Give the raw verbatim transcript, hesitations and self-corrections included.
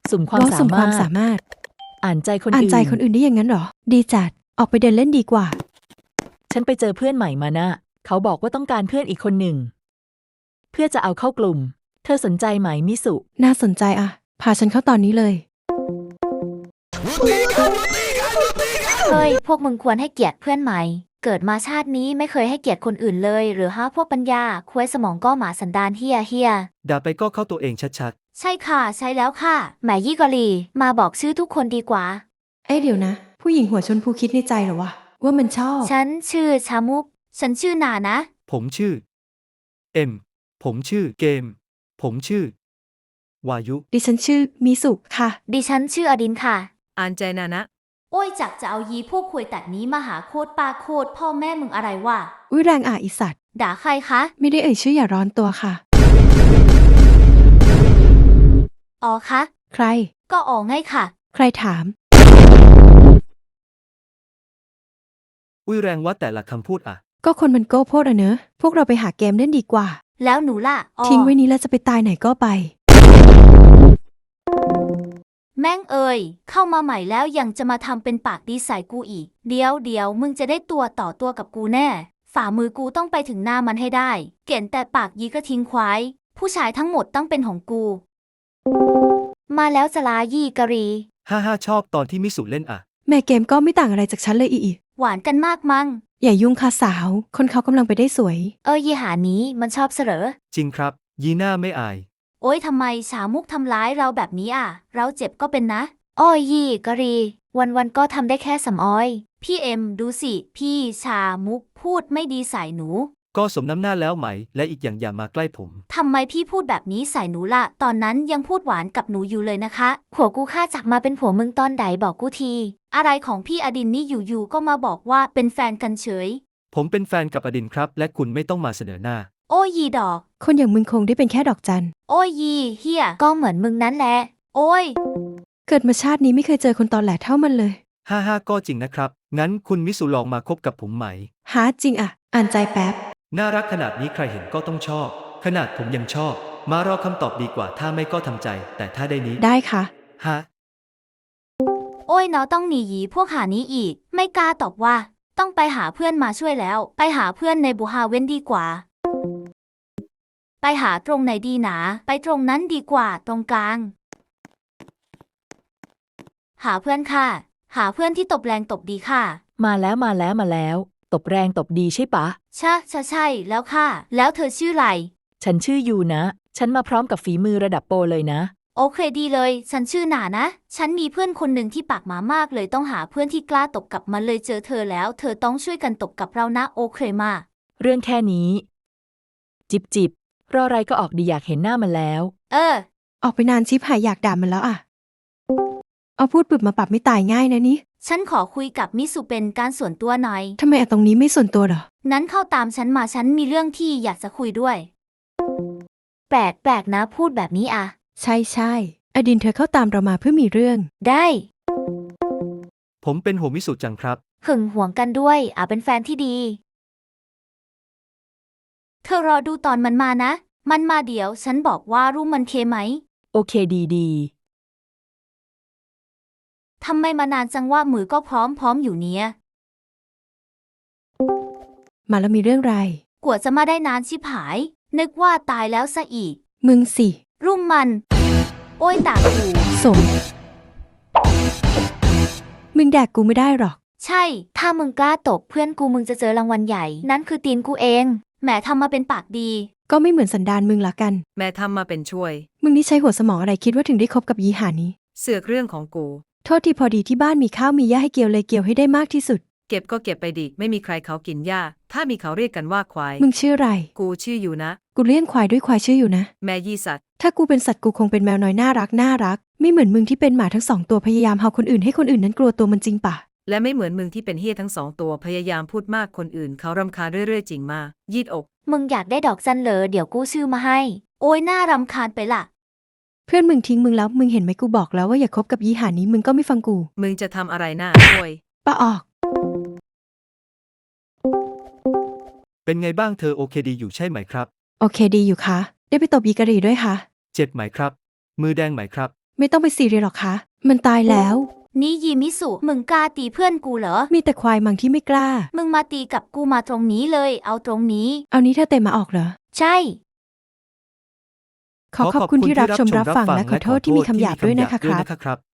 สุ่มความสามารถสามารถอ่านใจคนอื่นอ่านใจคนอื่นได้อย่างนั้นหรอดีจัดออกไปเดินเล่นดีกว่าฉันไปเจอเพื่อนใหม่มานะเขาบอกว่าต้องการเพื่อนอีกคนหนึ่งเพื่อจะเอาเข้ากลุ่มเธอสนใจไหมมิสุน่าสนใจอะพาฉันเข้าตอนนี้เลยเฮ้ยพวกมึงควรให้เกียรติเพื่อนใหม่เกิดมาชาตินี้ไม่เคยให้เกียรติคนอื่นเลยหรือฮะพวกปัญญาควยสมองก็หมาสันดานเฮียเฮียด่าไปก็เข้าตัวเองชัดๆใช่ค่ะใช่แล้วค่ะแหมยี่กอลีมาบอกชื่อทุกคนดีกว่าเอ้ยเดี๋ยวนะผู้หญิงหัวชนพูคิดในใจเหรอวะว่ามันชอบฉันชื่อชามุกฉันชื่อนานะผมชื่อเอ็มผมชื่อเกมผมชื่อวายุดิฉันชื่อมิสุค่ะดิฉันชื่ออดินค่ะอ่านใจนานะโอ้ยจักจะเอายีพวกควยตัดนี้มาหาโคตรปาโคตรพ่อแม่มึงอะไรวะอุ้ยแรงอ่ะอีสัตว์ด่าใครคะไม่ได้เอ่ยชื่ออย่าร้อนตัวค่ะอ๋อคะใครก็อ๋อไงค่ะใครถามอุ้ยแรงว่าแต่ละคำพูดอ่ะก็คนมันโก้โพดอะเนอะพวกเราไปหาเกมเล่นดีกว่าแล้วหนูล่ะทิ้งไว้นี้แล้วจะไปตายไหนก็ไปแม่งเอ่ยเข้ามาใหม่แล้วยังจะมาทำเป็นปากดีใส่กูอีกเดี๋ยวเดี๋ยวมึงจะได้ตัวต่อตัวกับกูแน่ฝ่ามือกูต้องไปถึงหน้ามันให้ได้เก่นแต่ปากยีก็ทิ้งควายผู้ชายทั้งหมดต้องเป็นของกูมาแล้วจะลายี่กะรีฮ่าฮ่าชอบตอนที่มิสุเล่นอ่ะแม่เกมก็ไม่ต่างอะไรจากฉันเลยอีหวานกันมากมั้งอย่ายุ่งค่ะสาวคนเขากำลังไปได้สวยเออยี่หานี้มันชอบเสรอจริงครับยีน่าไม่อายโอ๊ยทำไมชามุกทำร้ายเราแบบนี้อ่ะเราเจ็บก็เป็นนะอ้อยยี่กะรีวันวันก็ทำได้แค่สำอ้อยพี่เอ็มดูสิพี่ชามุกพูดไม่ดีใส่หนูก็สมน้ำหน้าแล้วไหมและอีกอย่างอย่ามาใกล้ผมทำไมพี่พูดแบบนี้ใส่หนูล่ะตอนนั้นยังพูดหวานกับหนูอยู่เลยนะคะผัวกูฆ่าจักมาเป็นผัวมึงตอนใดบอกกูทีอะไรของพี่อดินนี่อยู่ๆก็มาบอกว่าเป็นแฟนกันเฉยผมเป็นแฟนกับอดินครับและคุณไม่ต้องมาเสนอหน้าโอ้ยยีดอกคนอย่างมึงคงได้เป็นแค่ดอกจันโอ้ยยีเฮียก็เหมือนมึงนั้นแหละโอ้ยเกิดมาชาตินี้ไม่เคยเจอคนตอแหลเท่ามันเลยฮ่าฮ่าก็จริงนะครับงั้นคุณมิสุลองมาคบกับผมไหมหาจริงอ่ะอ่านใจแป๊บน่ารักขนาดนี้ใครเห็นก็ต้องชอบขนาดผมยังชอบมารอคำตอบดีกว่าถ้าไม่ก็ทำใจแต่ถ้าได้นี้ได้ค่ะฮะโอ้ยเนาะต้องหนีหยีพวกหานี้อีกไม่กล้าตอบว่าต้องไปหาเพื่อนมาช่วยแล้วไปหาเพื่อนในบูฮาเว้นดีกว่าไปหาตรงไหนดีหนาไปตรงนั้นดีกว่าตรงกลางหาเพื่อนค่ะหาเพื่อนที่ตบแรงตบดีค่ะมาแล้วมาแล้วมาแล้วตบแรงตบดีใช่ปะใช่ใช่ใช่แล้วค่ะแล้วเธอชื่ออะไรฉันชื่อยูนะฉันมาพร้อมกับฝีมือระดับโปรเลยนะโอเคดีเลยฉันชื่อหนานะฉันมีเพื่อนคนหนึ่งที่ปากหมามากเลยต้องหาเพื่อนที่กล้าตบกับมันเลยเจอเธอแล้วเธอต้องช่วยกันตบกับเรานะโอเคมาเรื่องแค่นี้จิบจิบรออะไรก็ออกดีอยากเห็นหน้ามันแล้วเออออกไปนานชิบหายอยากด่ามันแล้วอ่ะเอาพูดปึบมาปรับไม่ตายง่ายนะนี่ฉันขอคุยกับมิสุเป็นการส่วนตัวหน่อยทำไมอะตรงนี้ไม่ส่วนตัวหรอนั้นเข้าตามฉันมาฉันมีเรื่องที่อยากจะคุยด้วยแปลกแปลกนะพูดแบบนี้อ่ะใช่ใช่อดินเธอเข้าตามเรามาเพื่อมีเรื่องได้ผมเป็นโหมิสุจังครับหึงหวงกันด้วยอ่ะเป็นแฟนที่ดีเธอรอดูตอนมันมานะมันมาเดี๋ยวฉันบอกว่ารู้มันเคไหมโอเคดีดีทำไมมานานจังว่ามือก็พร้อมพร้อมอยู่เนี้ยมาแล้วมีเรื่องไรกว่าจะมาได้นานชิบหายนึกว่าตายแล้วซะอีกมึงสิรุ่มมันโอ้ยตากูสมมึงแดกกูไม่ได้หรอกใช่ถ้ามึงกล้าตบเพื่อนกูมึงจะเจอรางวัลใหญ่นั่นคือตีนกูเองแหมทำมาเป็นปากดีก็ไม่เหมือนสันดานมึงละกันแม่ทำมาเป็นช่วยมึงนี่ใช้หัวสมองอะไรคิดว่าถึงได้คบกับยีหานี้เสือกเรื่องของกูโทษที่พอดีที่บ้านมีข้าวมีหญ้าให้เกี่ยวเลยเกี่ยวให้ได้มากที่สุดเก็บก็เก็บไปดิไม่มีใครเขากินหญ้าถ้ามีเขาเรียกกันว่าควายมึงชื่ออะไรกูชื่ออยู่นะกูเลี้ยงควายด้วยควายชื่ออยู่นะแม่ยี่สัตว์ถ้ากูเป็นสัตว์กูคงเป็นแมวน้อยน่ารักน่ารักไม่เหมือนมึงที่เป็นหมาทั้งสองตัวพยายามเห่าคนอื่นให้คนอื่นนั้นกลัวตัวมันจริงปะและไม่เหมือนมึงที่เป็นเฮี้ยทั้งสองตัวพยายามพูดมากคนอื่นเขารำคาญเรื่อยๆจริงมายืดอกมึงอยากได้ดอกจันเหรอเดี๋ยวกูซื้อมาให้โอ้ยน่ารำคาญไปล่ะเพื่อนมึงทิ้งมึงแล้วมึงเห็นไหมกูบอกแล้วว่าอย่าคบกับยี่หานี้มึงก็ไม่ฟังกูมึงจะทำอะไรหน้าโวยป้าออกเป็นไงบ้างเธอโอเคดีอยู่ใช่ไหมครับโอเคดีอยู่คะได้ไปตบยีกะหรี่ด้วยคะเจ็บไหมครับมือแดงไหมครับไม่ต้องไปซีเรียสหรอกคะ มันตายแล้วนี่ยีมิสุ มึงกล้าตีเพื่อนกูเหรอมีแต่ควายมังที่ไม่กล้ามึงมาตีกับกูมาตรงนี้เลย เอาตรงนี้เอานี้เธอเตะมาออกเหรอใช่ขอขอบคุณที่รับชมรับฟังและขอโทษที่มีคำหยาบด้วยนะคะครับครับ